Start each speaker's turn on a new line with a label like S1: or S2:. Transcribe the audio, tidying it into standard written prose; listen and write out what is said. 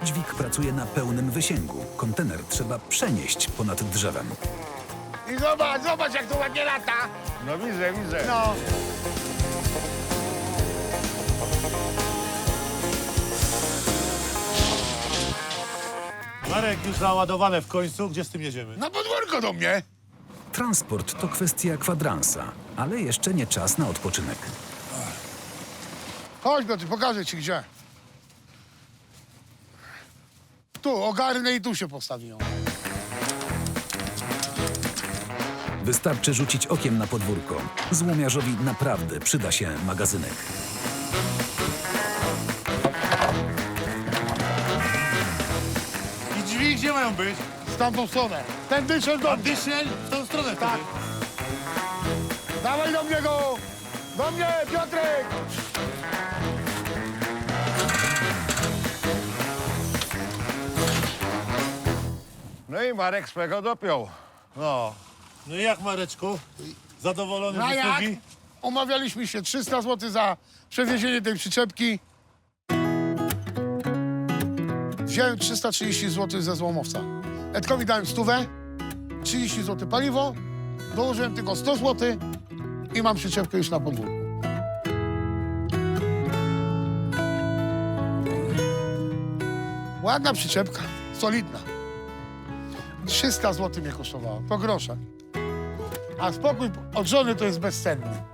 S1: Dźwig pracuje na pełnym wysięgu. Kontener trzeba przenieść ponad drzewem.
S2: I zobacz, zobacz jak to ładnie lata.
S3: No widzę, widzę.
S2: No.
S4: Marek, już załadowane w końcu. Gdzie z tym jedziemy?
S2: Na podwórko do mnie.
S1: Transport to kwestia kwadransa, ale jeszcze nie czas na odpoczynek.
S2: Chodź, Piotr, pokażę ci gdzie. Tu, ogarnę i tu się postawią.
S1: Wystarczy rzucić okiem na podwórko. Złomiarzowi naprawdę przyda się magazynek.
S4: I drzwi gdzie mają być?
S2: Z tamtą stronę. Ten dyszel do
S4: A
S2: mnie.
S4: dyszel w tą stronę
S2: Tak.
S4: wtedy.
S2: Dawaj do mnie go! Do mnie, Piotrek!
S3: No i Marek swego dopiął.
S4: No. No i jak, Mareczku? Zadowolony
S2: No
S4: z
S2: jak?
S4: usługi?
S2: Umawialiśmy się 300 zł za przewiezienie tej przyczepki. Wziąłem 330 zł ze złomowca. Edkowi dałem 100, 30 zł paliwo, dołożyłem tylko 100 zł i mam przyczepkę już na podwórku. Ładna przyczepka, solidna. 300 zł mnie kosztowała, po grosze. A spokój od żony to jest bezcenny.